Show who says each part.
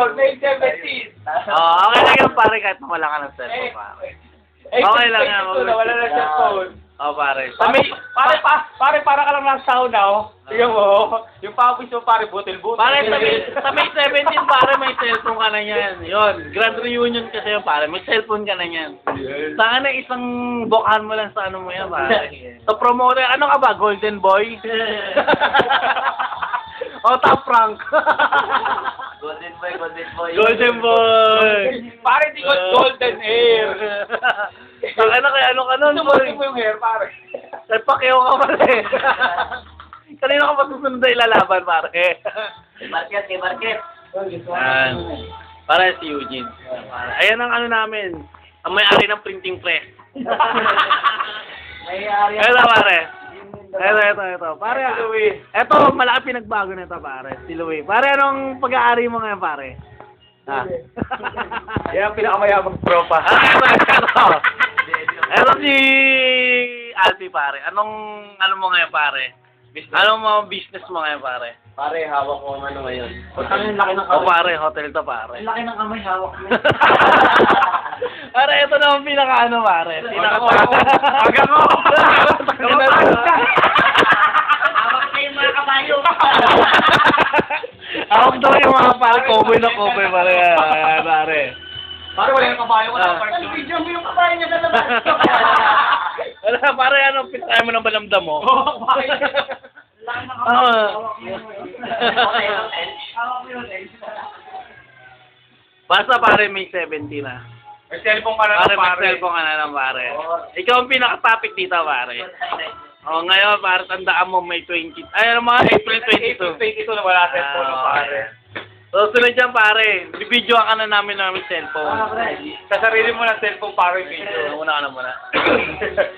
Speaker 1: cellphone, May 17.
Speaker 2: Okay lang yun, pare, kahit wala ka ng cellphone, pare. Okay lang yan.
Speaker 1: Wala na cellphone.
Speaker 2: Pare.
Speaker 1: Pare, para ka lang nasa sauna, oh. Tingnan mo, yung pawis mo, pare, butil-butil.
Speaker 2: Pare, sa May 17, pare, may cellphone ka na yan. Yun, grand reunion kasi yun, pare. May cellphone ka na yan. Sana isang bukahan mo lang sa ano mo yan, pare. Sa promoter, ano ka ba, Golden Boy? O, Top Rank.
Speaker 3: Golden boy, golden boy.
Speaker 2: Golden Boy.
Speaker 1: Pare, di ko golden hair.
Speaker 2: Ano kaya, ano ka nun, boy?
Speaker 1: Sumutin mo yung hair, pare.
Speaker 2: Ay, pakiyaw ka pala eh. Kanina ka pa susunod na ilalaban, pare.
Speaker 3: Kay Market, kay Market.
Speaker 2: Ayan. Para si Eugene. Ayan ang ano namin. Ang may-ari ng printing press.
Speaker 3: May-ari.
Speaker 2: Ito, pare. Ito. Pare, ito, malaki pinagbago na ito, pare. Si Louie. Pare, anong pag-aari mo ngayon, pare?
Speaker 1: Yan ang pinakamayabang tropa.
Speaker 2: Ito si Alfie, pare. Anong, ano mo ngayon, pare? Anong mga business mo ngayon, pare?
Speaker 3: Pare, hawak ko ang ano ngayon.
Speaker 1: Ang laki ng
Speaker 2: O, pare, hotel to, pare.
Speaker 3: Ang laki ng kamay, hawak mo.
Speaker 2: Pare, ito na ang pinaka-ano, pare.
Speaker 1: Hanggang ko!
Speaker 3: Hawak na yung mga kabayo.
Speaker 2: Hawak daw yung mga pare, cowboy na cowboy, pare. Ayan, pare.
Speaker 1: Pare, wala yung kabayo ko na.
Speaker 3: Ay, video mo yung kabayo niya sa labas.
Speaker 2: Wala, pare, ano, pinakaya mo ng balamdam mo?
Speaker 3: Laki ng
Speaker 2: Oo.
Speaker 3: hawak mo yun. Hawak mo yun.
Speaker 2: Basta, pare, may 70 na.
Speaker 1: May cellphone ka na
Speaker 2: Pare,
Speaker 1: lang,
Speaker 2: may
Speaker 1: pare.
Speaker 2: cellphone ka na lang, pare. Ikaw ang pinaka-topic dito, pare. O, ngayon, pare, tandaan mo, may 20. Ay, ano mga April 22.
Speaker 1: 22 na wala cellphone na, pare.
Speaker 2: So, sunod dyan, pare. Bibidyoan ka na namin cellphone.
Speaker 3: Ah, pre.
Speaker 1: Sa sarili mo ng cellphone, pare, video.
Speaker 2: Una ka na muna.